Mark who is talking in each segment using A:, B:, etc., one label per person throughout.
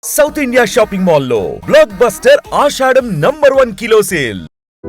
A: South India shopping మాల్లో blockbuster Ashadham #1 kilo sale.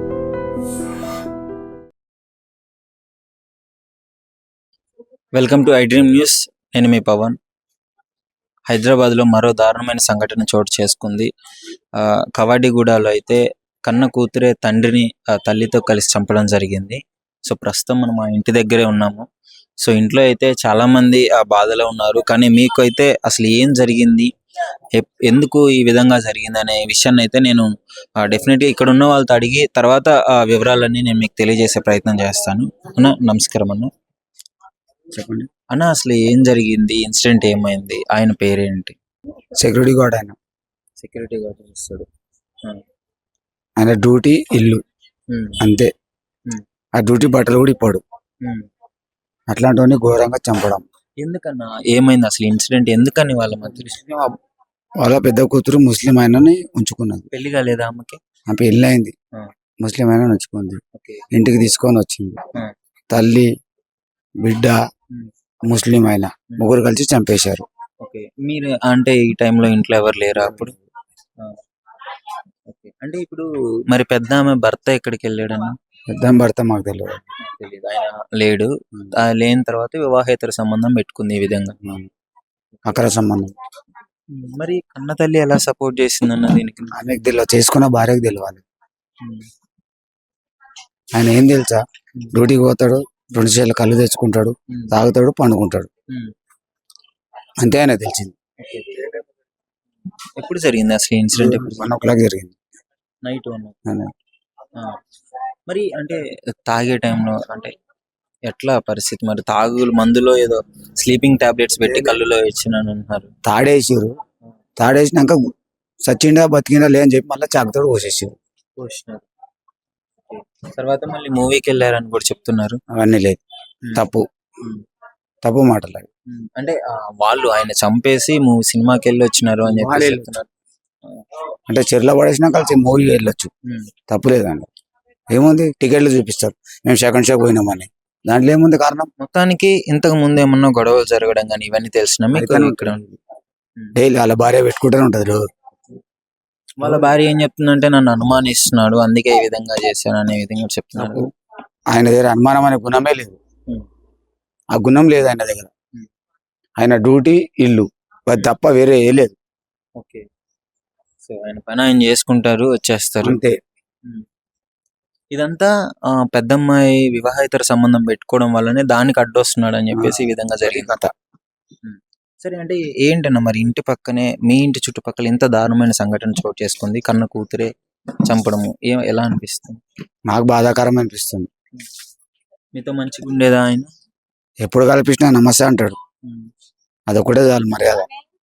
B: Welcome to I dream news. నేను మీ పవన్. హైదరాబాద్లో మరో దారుణమైన సంఘటన చోటు చేసుకుంది. కవాడిగూడలో అయితే కన్న కూతురే తండ్రిని తల్లితో కలిసి చంపడం జరిగింది. సో ప్రస్తుతం మనం ఆ ఇంటి దగ్గరే ఉన్నాము. సో ఇంట్లో అయితే చాలామంది ఆ బాధలో ఉన్నారు. కానీ మీకు అయితే అసలు ఏం జరిగింది, ఎందుకు ఈ విధంగా జరిగింది అనే విషయాన్ని అయితే నేను డెఫినెట్గా ఇక్కడ ఉన్న వాళ్ళతో అడిగి తర్వాత ఆ వివరాలన్నీ నేను మీకు తెలియజేసే ప్రయత్నం చేస్తాను. అన్న నమస్కారం అన్న.
C: చెప్పండి
B: అన్న అసలు ఏం జరిగింది, ఇన్సిడెంట్ ఏమైంది, ఆయన పేరేంటి?
C: సెక్యూరిటీ గార్డ్ ఆయన.
B: సెక్యూరిటీ గార్డ్ చేస్తాడు.
C: ఆయన డ్యూటీ ఇల్లు అంతే. ఆ డ్యూటీ బట్టలు కూడా ఇప్పాడు. అట్లాంటివన్నీ ఘోరంగా చంపడం.
B: ఎందుకన్నా ఏమైంది అసలు ఇన్సిడెంట్? ఎందుకని వాళ్ళ మధ్య
C: వాళ్ళ పెద్ద కూతురు ముస్లిం ఆయనని ఉంచుకున్నది.
B: పెళ్లి కాలేదా అమ్మకి?
C: ఆ పెళ్ళి అయింది, ముస్లిం ఆయన ఉంచుకుంది. ఇంటికి తీసుకొని వచ్చింది. తల్లి బిడ్డ ముస్లిం ఆయన ముగ్గురు కలిసి చంపేశారు.
B: ఓకే, మీరు అంటే ఈ టైంలో ఇంట్లో ఎవరు లేరా అప్పుడు? ఓకే, అంటే ఇప్పుడు మరి పెద్ద ఆమె భర్త ఎక్కడికి వెళ్ళాడన్నా?
C: పెద్ద భర్త మాకు తెలియదు.
B: తెలీదు, ఆయన లేడు. లేని తర్వాత వివాహేతర సంబంధం పెట్టుకుంది ఈ విధంగా.
C: అక్ర సంబంధం.
B: మరి కన్న తల్లి ఎలా సపోర్ట్ చేసిందన్న దీనికి?
C: ఆమెకు తెలియదు, చేసుకున్న భార్యకు తెలియాలి. ఆయన ఏం తెలుసా, డ్యూటీకి పోతాడు, 2 చేతుల కళ్ళు తెచ్చుకుంటాడు, తాగుతాడు, పండుకుంటాడు, అంతే ఆయన తెలిసింది.
B: ఎప్పుడు జరిగింది అసలు ఇన్సిడెంట్?
C: 1 o'clock జరిగింది,
B: నైట్. మరి అంటే తాగే టైంలో అంటే ఎట్లా పరిస్థితి? మరి మందులో ఏదో స్లీపింగ్ టాబ్లెట్స్ పెట్టి కళ్ళులో ఇచ్చినాను అంటున్నారు.
C: తాడేసారు. తాడేసినాక సచ్చిండా బతికిండా లేని చెప్పి మళ్ళీ చాకుతోడు పోసేసారు.
B: తర్వాత మళ్ళీ మూవీకి వెళ్ళారని కూడా చెప్తున్నారు.
C: అవన్నీ లేదు, తప్పు మాటలు.
B: అంటే వాళ్ళు ఆయన చంపేసి సినిమాకి వెళ్ళి వచ్చినారు అని చెప్పి చెప్తున్నారు.
C: అంటే చెర్ల పడేసినా కలిసి మూవీ వెళ్ళొచ్చు, తప్పు లేదండి. ఏముంది, టికెట్లు చూపిస్తారు, మేము సెకండ్ షో పోయినామని, దాంట్లో ఏముంది కారణం?
B: మొత్తానికి ఇంతకు ముందు ఏమన్నా గొడవలు జరగడం కానీ ఇవన్నీ తెలిసిన ఇక్కడ
C: డైలీ వాళ్ళ భార్య పెట్టుకుంటూనే ఉంటది రోజు.
B: వాళ్ళ భార్య ఏం చెప్తుందంటే నన్ను అనుమానిస్తున్నాడు, అందుకే ఈ విధంగా చేశాను అనే విధంగా చెప్తున్నాడు.
C: ఆయన దగ్గర అనుమానం అనే గుణమే లేదు, ఆ గుణం లేదు ఆయన దగ్గర. ఆయన డ్యూటీ ఇల్లు అది తప్ప వేరే ఏ లేదు.
B: ఓకే, సో ఆయన పని ఆయన చేసుకుంటారు, వచ్చేస్తారు
C: అంతే.
B: ఇదంతా పెద్దమ్మాయి వివాహేతర సంబంధం పెట్టుకోవడం వల్లనే దానికి అడ్డొస్తున్నాడు అని చెప్పేసి ఈ విధంగా జరిగింది కథ. సరే, అంటే ఏంటన్నా మరి ఇంటి పక్కనే మీ ఇంటి చుట్టుపక్కల ఇంత దారుణమైన సంఘటన చోటు చేసుకుంది, కన్న కూతురే చంపడము ఎలా అనిపిస్తుంది?
C: నాకు బాధాకరం అనిపిస్తుంది.
B: మీతో మంచిగా ఉండేదా ఆయన?
C: ఎప్పుడు కల్పించినా నమస్తే అంటాడు, అదొకటే చాలు మర్యాద.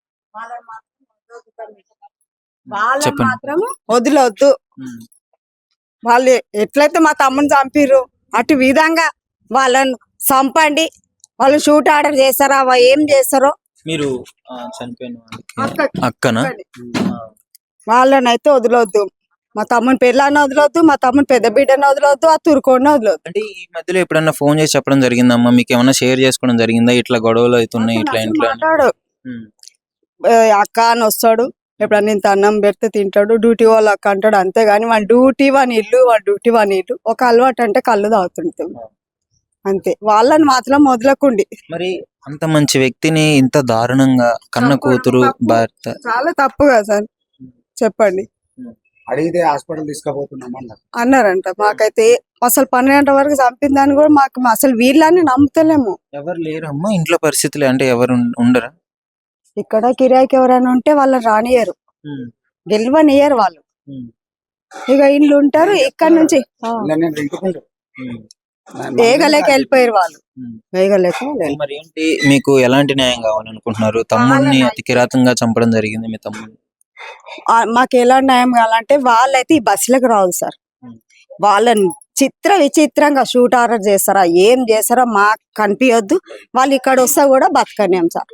D: చెప్పండి. మాత్రం వదిలొద్దు. వాళ్ళు ఎట్లయితే మా తమ్ముని చంపిర్రు అటు విధంగా వాళ్ళను చంపండి. వాళ్ళు షూట్ ఆర్డర్ చేస్తారా, ఏం చేస్తారో.
B: మీరు చనిపోయిన అక్కన
D: వాళ్ళనైతే వదిలొద్దు. మా తమ్ముని పెళ్ళాన్ని వదిలొద్దు, మా తమ్ముని పెద్ద బిడ్డని వదిలొద్దు, ఆ తురుకోడిని వదిలొద్దు.
B: అంటే ఈ మధ్యలో ఎప్పుడన్నా ఫోన్ చేసి చెప్పడం జరిగిందమ్మా? మీకు ఏమన్నా షేర్ చేసుకోవడం జరిగిందా, ఇట్లా గొడవలు అవుతున్నాయి ఇట్లా ఇంట్లో?
D: మాట్లాడు, అక్క అని వస్తాడు, ఎప్పుడన్నా ఇంత అన్నం పెడితే తింటాడు, డ్యూటీ వాళ్ళు అక్క అంటాడు, అంతేగాని వాడి డ్యూటీ వాని ఇల్లు, వాడి డ్యూటీ వాని ఇల్లు. ఒక అలవాటు అంటే కళ్ళు తాగుతుంటాం అంతే. వాళ్ళని మాత్రం వదలకుండి.
B: మరి అంత మంచి వ్యక్తిని ఇంత దారుణంగా కన్న కూతురు భర్త,
D: చాలా తప్పు కదా సార్, చెప్పండి.
C: అడిగితే హాస్పిటల్ తీసుకుపోతున్నాం
D: అన్నారంట. మాకైతే అసలు 12 వరకు చంపిందని కూడా మాకు అసలు వీళ్ళని నమ్ముతలేము.
B: ఎవరు లేరమ్మా ఇంట్లో పరిస్థితులు? అంటే ఎవరు ఉండరా
D: ఇక్కడ? కిరాయికి ఎవరైనా ఉంటే వాళ్ళని రానియరు, గెలవనియరు వాళ్ళు. ఇక ఇల్లు ఉంటారు, ఇక్కడ నుంచి వేగలేక వెళ్ళిపోయారు వాళ్ళు. వేగలేక.
B: మరి ఏంటి మీకు ఎలాంటి న్యాయం కావాలనుకుంటున్నారు? తమ్ముడిని అతి కిరాతంగా చంపడం జరిగింది మీ తమ్ముడిని.
D: మాకు ఎలా న్యాయం కావాలంటే వాళ్ళైతే ఈ బస్సులకు రాదు సార్. వాళ్ళని విచిత్రంగా షూట్ ఆర్డర్ చేస్తారా, ఏం చేస్తారా మాకు కనిపించొద్దు. వాళ్ళు ఇక్కడ వస్తా కూడా బతకనేం సార్.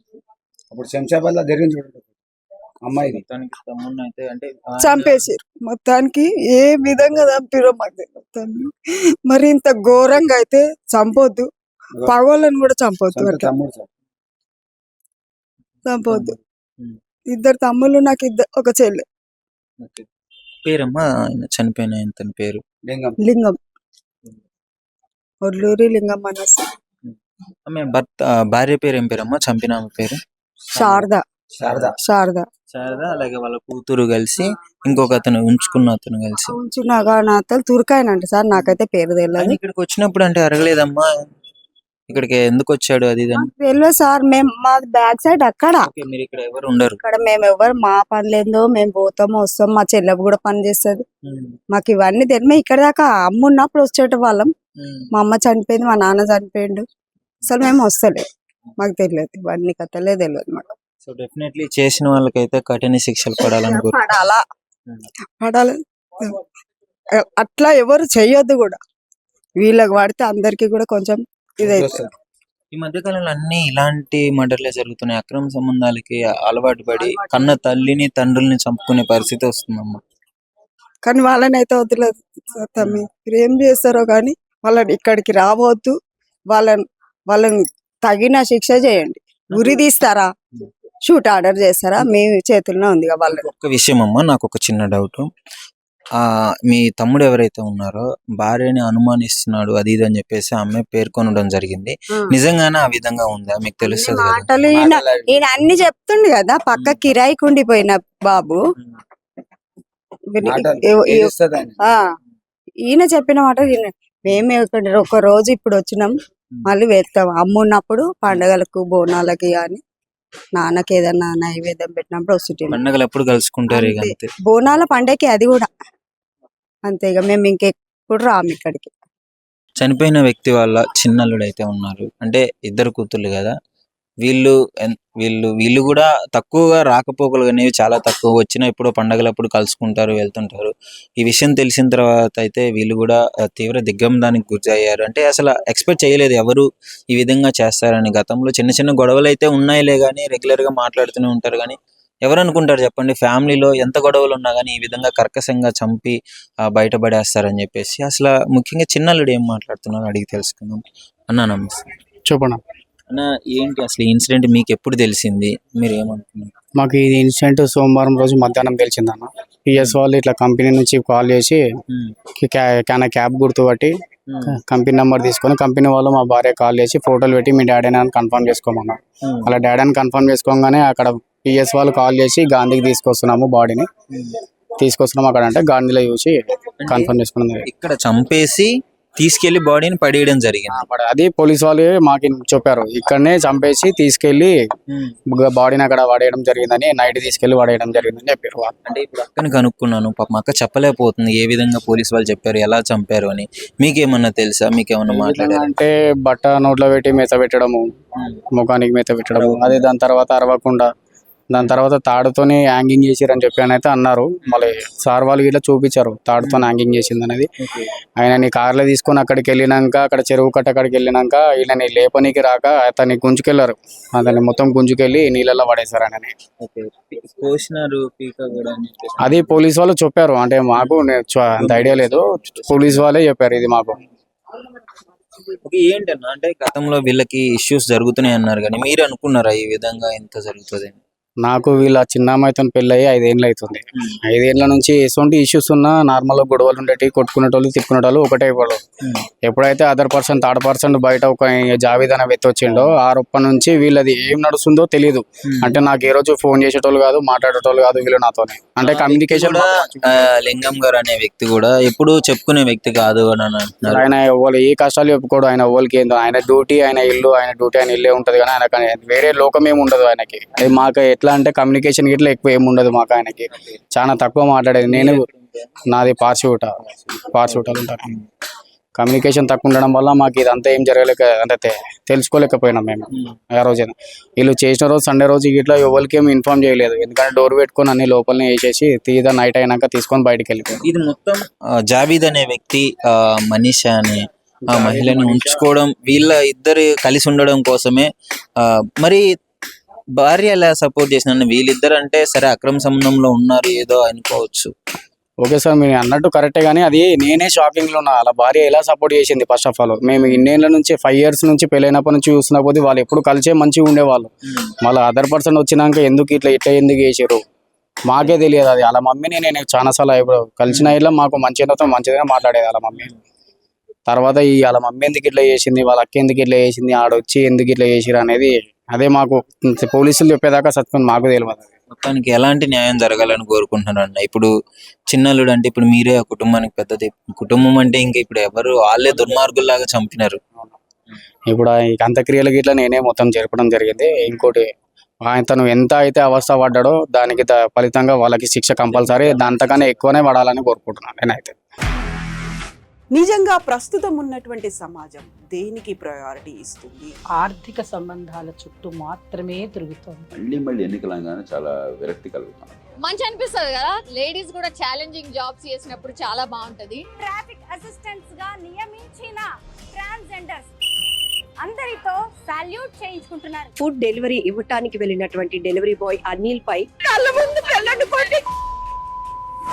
D: చంపేసారు మొత్తానికి. ఏ విధంగా చంపిరో మాకు తెలియదు. మరి ఇంత ఘోరంగా అయితే చంపొద్దు, పగోళ్ళని కూడా చంపొద్దు. ఇద్దరు తమ్ముళ్ళు, నాకు ఒక చెల్లె.
B: పేరమ్మా ఆయన చనిపోయిన ఆయన పేరు?
D: లింగం, ఒడ్లూరి లింగం మనసు.
B: ఆమె భర్త భార్య పేరు ఏం పేరమ్మా? చంపిన ఆమె పేరు?
D: శారద.
C: శారద.
D: శారద.
B: శారద. అలాగే వాళ్ళ కూతురు కలిసి ఇంకొక అతను ఉంచుకున్న అతను కలిసి
D: ఉంచున్నాగా అతను తుర్కాయనంట సార్, నాకైతే పేరు
B: ఆయన
D: తెలియదు.
B: ఇక్కడికి వచ్చినప్పుడు అంటే అడగలేదమ్మా ఇక్కడికి ఎందుకు వచ్చాడు అది ఇది అని?
D: తెలియదు సార్, మేము మా బ్యాక్ సైడ్ అక్కడ.
B: ఓకే, మీరు ఇక్కడ ఎవరు ఉండరు.
D: ఇక్కడ మేము ఎవరు, మా పనులేందో మేము పోతాము వస్తాం, మా చెల్లె కూడా పని చేస్తుంది, మాకు ఇవన్నీ తెలియదు. మేము ఇక్కడ దాకా అమ్మ ఉన్నప్పుడు వచ్చేట వాళ్ళం. మా అమ్మ చనిపోయింది, మా నాన్న చనిపోయిండు, అసలు మేము వస్తలేదు, మాకు తెలియదు, ఇవన్నీ కథలే తెలియదు మాకు.
B: సో డెఫినెట్లీ చేసిన వాళ్ళకైతే కఠిన శిక్షలు పడాలని
D: పడాలా, పడాలి. అట్లా ఎవరు చెయ్యొద్దు కూడా, వీళ్ళకి పడితే అందరికి కూడా కొంచెం ఇదైతే.
B: ఈ మధ్య కాలంలో అన్ని ఇలాంటి మర్డర్లే జరుగుతున్నాయి. అక్రమ సంబంధాలకి అలవాటు పడి కన్న తల్లిని తండ్రుల్ని చంపుకునే పరిస్థితి వస్తుందమ్మా.
D: కానీ వాళ్ళని అయితే వదిలేదు తమ్మి, మీరు ఏం చేస్తారో కానీ వాళ్ళని ఇక్కడికి రావద్దు, వాళ్ళని తగిన శిక్ష చేయండి. ఉరి తీస్తారా, షూట్ ఆర్డర్ చేస్తారా, మీ చేతుల్లో ఉంది వాళ్ళ.
B: ఒక్క విషయం అమ్మా, నాకు ఒక చిన్న డౌట్. మీ తమ్ముడు ఎవరైతే ఉన్నారో భార్యని అనుమానిస్తున్నాడు అది ఇది అని చెప్పేసి ఆమె పేర్కొనడం జరిగింది. నిజంగానే ఆ విధంగా ఉందా? మీకు తెలుస్తుంది కదా.
D: మాటలు ఈయన అన్ని చెప్తుండు కదా, పక్క కిరాయికి ఉండిపోయిన బాబు. ఈయన చెప్పిన మాట మేమే ఒక రోజు ఇప్పుడు వచ్చినాం, మళ్ళీ వెళ్తాం. అమ్మ ఉన్నప్పుడు పండగలకు బోనాలకి కానీ నాన్నకి ఏదన్నా నైవేద్యం పెట్టినప్పుడు వస్తుంటే
B: పండగలు ఎప్పుడు కలుసుకుంటారు ఇక అంతే.
D: బోనాల పండగకి అది కూడా అంతే. ఇక మేము ఇంకెప్పుడు రాము ఇక్కడికి.
B: చనిపోయిన వ్యక్తి వాళ్ళ చిన్నల్లుడు అయితే ఉన్నారు, అంటే ఇద్దరు కూతుర్లు కదా, వీళ్ళు కూడా తక్కువగా రాకపోకలు అనేవి చాలా తక్కువ, వచ్చిన ఎప్పుడో పండగలప్పుడు కలుసుకుంటారు వెళ్తుంటారు. ఈ విషయం తెలిసిన తర్వాత అయితే వీళ్ళు కూడా తీవ్ర దిగ్భ్రాంతికి గురయ్యారు. అంటే అసలు ఎక్స్పెక్ట్ చేయలేదు ఎవరు ఈ విధంగా చేస్తారని. గతంలో చిన్న చిన్న గొడవలు అయితే ఉన్నాయిలే కానీ రెగ్యులర్ గా మాట్లాడుతూనే ఉంటారు, కానీ ఎవరు అనుకుంటారు చెప్పండి, ఫ్యామిలీలో ఎంత గొడవలు ఉన్నా కానీ ఈ విధంగా కర్కశంగా చంపి బయటపడేస్తారని చెప్పేసి. అసలు ముఖ్యంగా చిన్నల్లుడు ఏం మాట్లాడుతున్నారో అడిగి తెలుసుకుందాం. అన్నా నమస్తే.
C: చెప్పండి
B: అన్న, ఏంటి అసలు ఈ ఇన్సిడెంట్ మీకు ఎప్పుడు తెలిసింది, మీరు ఏమనుకున్నారు?
C: మాకు ఇది ఇన్సిడెంట్ సోమవారం రోజు మధ్యాహ్నం తెలిసిందన్న. పిఎస్ వాళ్ళు ఇట్లా కంపెనీ నుంచి కాల్ చేసి క్యాబ్ గుర్తు పట్టి కంపెనీ నెంబర్ తీసుకొని కంపెనీ వాళ్ళు మా భార్య కాల్ చేసి ఫోటోలు పెట్టి మీ డాడీ అని కన్ఫర్మ్ చేసుకోమన్నారు. అలా డాడీ అని కన్ఫర్మ్ చేసుకోగానే అక్కడ పిఎస్ వాళ్ళు కాల్ చేసి గాంధీకి తీసుకొస్తున్నాము, బాడీని తీసుకొస్తున్నాము అక్కడ అంటే గాంధీలో చూసి కన్ఫర్మ్ చేసుకున్నాం.
B: ఇక్కడ చంపేసి తీసుకెళ్లి బాడీని పడేయడం జరిగింది.
C: అది పోలీస్ వాళ్ళు మాకు చెప్పారు, ఇక్కడనే చంపేసి తీసుకెళ్లి బాడీని అక్కడ పడేయడం జరిగిందని, నైట్ తీసుకెళ్లి పడేయడం జరిగిందని చెప్పారు.
B: అంటే ఇప్పుడు అక్కని కనుక్కున్నాను, పాప మా అక్క చెప్పలేకపోతుంది ఏ విధంగా పోలీస్ వాళ్ళు చెప్పారు, ఎలా చంపారు అని. మీకేమన్నా తెలుసా, మీకేమన్నా మాట్లాడారు?
C: అంటే బట్ట నోట్లో పెట్టి మెత పెట్టడము, ముఖానికి మెత పెట్టడము, అది దాని తర్వాత అరవకుండా దాని తర్వాత తాడుతోని హ్యాంగింగ్ చేసిరని చెప్పి అని అయితే అన్నారు. మళ్ళీ సార్ వాళ్ళు ఇట్లా చూపించారు తాడుతో హ్యాంగింగ్ చేసింది అనేది. ఆయనని కార్లో తీసుకొని అక్కడికి వెళ్ళినాక అక్కడ చెరువు కట్ట అక్కడికి వెళ్ళినాక వీళ్ళని లేపనికి రాక అతన్ని గుంజుకెళ్లారు, అతన్ని మొత్తం గుంజుకెళ్ళి నీళ్ళల్లో పడేశారు ఆయనని. అది పోలీస్ వాళ్ళు చెప్పారు, అంటే మాకు అంత ఐడియా లేదు, పోలీస్ వాళ్ళే చెప్పారు ఇది మాకు.
B: ఏంటన్నా అంటే గతంలో వీళ్ళకి ఇష్యూస్ జరుగుతున్నాయి అన్నారు, కానీ మీరు అనుకున్నారా ఈ విధంగా ఎంత జరుగుతుంది?
C: నాకు వీళ్ళ చిన్నమ్మాయితో పెళ్ళి అయ్యి 5 ఏళ్ళు అవుతుంది. 5 ఏళ్ళ నుంచి ఎటువంటి ఇష్యూస్ ఉన్నా నార్మల్ గొడవలు ఉండేవి, కొట్టుకునేటోళ్ళు తిట్టుకునేటోళ్ళు ఒకటే వాళ్ళు. ఎప్పుడైతే అదర్ పర్సన్ థర్డ్ పర్సన్ బయట ఒక జావేద్ అనే వ్యక్తి వచ్చిండో ఆ రొప్ప నుంచి వీళ్ళది ఏం నడుస్తుందో తెలియదు. అంటే నాకు ఏ రోజు ఫోన్ చేసేటోళ్ళు కాదు, మాట్లాడేటోళ్ళు కాదు వీళ్ళు నాతోనే. అంటే కమ్యూనికేషన్
B: లింగం గారు అనే వ్యక్తి కూడా ఎప్పుడు చెప్పుకునే వ్యక్తి కాదు అని అంటున్నారు.
C: ఆయన ఎవరు ఏ కష్టాలు చెప్పుకోడు, ఆయన ఎవరికి ఏందో, ఆయన డ్యూటీ ఆయన ఇల్లు, ఆయన డ్యూటీ ఆయన ఇల్లే ఉంటది, కానీ ఆయన వేరే లోకం ఏమి ఉండదు ఆయనకి. మాకు ఎట్లా అంటే కమ్యూనికేషన్ గిట్లా ఎక్కువ ఏమి ఉండదు మాకు, ఆయనకి చాలా తక్కువ మాట్లాడేది. నేను నాది పార్షూటాలు ఉంటాను, కమ్యూనికేషన్ తక్కువ ఉండడం వల్ల మాకు ఇదంతా ఏం జరగలేక అంటే తెలుసుకోలేకపోయినాం మేము. ఆ రోజైనా వీళ్ళు చేసిన రోజు సండే రోజు ఇట్లా ఎవరికి ఏమి ఇన్ఫార్మ్ చేయలేదు, ఎందుకంటే డోర్ పెట్టుకొని అన్ని లోపలనే వేసేసి తీదా నైట్ అయినాక తీసుకొని బయటకు వెళ్ళిపోయారు.
B: ఇది మొత్తం జావీద్ అనే వ్యక్తి మనీషా అనే ఆ మహిళని ఉంచుకోవడం, వీళ్ళ ఇద్దరు కలిసి ఉండడం కోసమే. మరి భార్య ఎలా సపోర్ట్ చేసిన, వీళ్ళిద్దరు అంటే సరే అక్రమ సంబంధంలో ఉన్నారు ఏదో అనుకోవచ్చు,
C: ఓకే సార్ మీరు అన్నట్టు కరెక్టే, కానీ అది నేనే షాకింగ్లో ఉన్నా. అలా భార్య ఎలా సపోర్ట్ చేసింది. ఫస్ట్ ఆఫ్ ఆల్ మేము ఇన్నేళ్ళ నుంచి 5 years నుంచి పెళ్ళైనప్పటి నుంచి చూస్తున్న కొద్దీ వాళ్ళు ఎప్పుడు కలిసే మంచిగా ఉండేవాళ్ళు. మళ్ళీ అదర్ పర్సన్ వచ్చినాక ఎందుకు ఇట్లా ఎందుకు చేసారు మాకే తెలియదు. అది వాళ్ళ మమ్మీని నేను చాలాసార్లు ఇప్పుడు కలిసిన ఇట్లా మాకు మంచిగా మాట్లాడేది వాళ్ళ మమ్మీ. తర్వాత ఈ వాళ్ళ మమ్మీ ఎందుకు ఇట్లా చేసింది, వాళ్ళ అక్క ఎందుకు ఇట్లా చేసింది, ఆడొచ్చి ఎందుకు ఇట్లా చేసిరు అనేది అదే మాకు పోలీసులు చెప్పేదాకా సత్యం మాకు తెలియదు.
B: మొత్తానికి ఎలాంటి న్యాయం జరగాలని కోరుకుంటున్నారు అన్న? ఇప్పుడు చిన్నల్లుడు అంటే ఇప్పుడు మీరే ఆ కుటుంబానికి పెద్దది. కుటుంబం అంటే ఇంకా ఇప్పుడు ఎవరు వాళ్ళే దుర్మార్గుల్లాగా చంపినారు.
C: ఇప్పుడు ఈ అంత్యక్రియలకి ఇట్లా నేనే మొత్తం జరపడం జరిగింది. ఇంకోటి తను ఎంత అయితే అవస్థ పడ్డాడో దానికి ఫలితంగా వాళ్ళకి శిక్ష కంపల్సరీ అంతకన్నా ఎక్కువనే పడాలని కోరుకుంటున్నాను నేనైతే.
E: నిజంగా ప్రస్తుతం ఉన్నటువంటి సమాజం దేనికి ప్రయారిటీ ఇస్తుంది?
F: ఆర్థిక సంబంధాల చుట్టూ మాత్రమే తిరుగుతోంది.
G: మళ్ళీ ఎన్నికలంగానే చాలా విరక్తి కలుగుతాం.
H: మంచి అనిపిస్తుంది కదా, లేడీస్ కూడా ఛాలెంజింగ్ జాబ్స్ చేసినప్పుడు చాలా బాగుంటది.
I: ట్రాఫిక్ అసిస్టెంట్స్ గా నియమించిన ట్రాన్స్జెండర్స్ అందరితో సాల్యూట్ చేయించుకుంటున్నారు.
J: ఫుడ్ డెలివరీ ఇవ్వటానికి వెళ్ళినటువంటి డెలివరీ బాయ్ అనిల్ పై
E: కళ్ళ ముందు పెళ్ళండి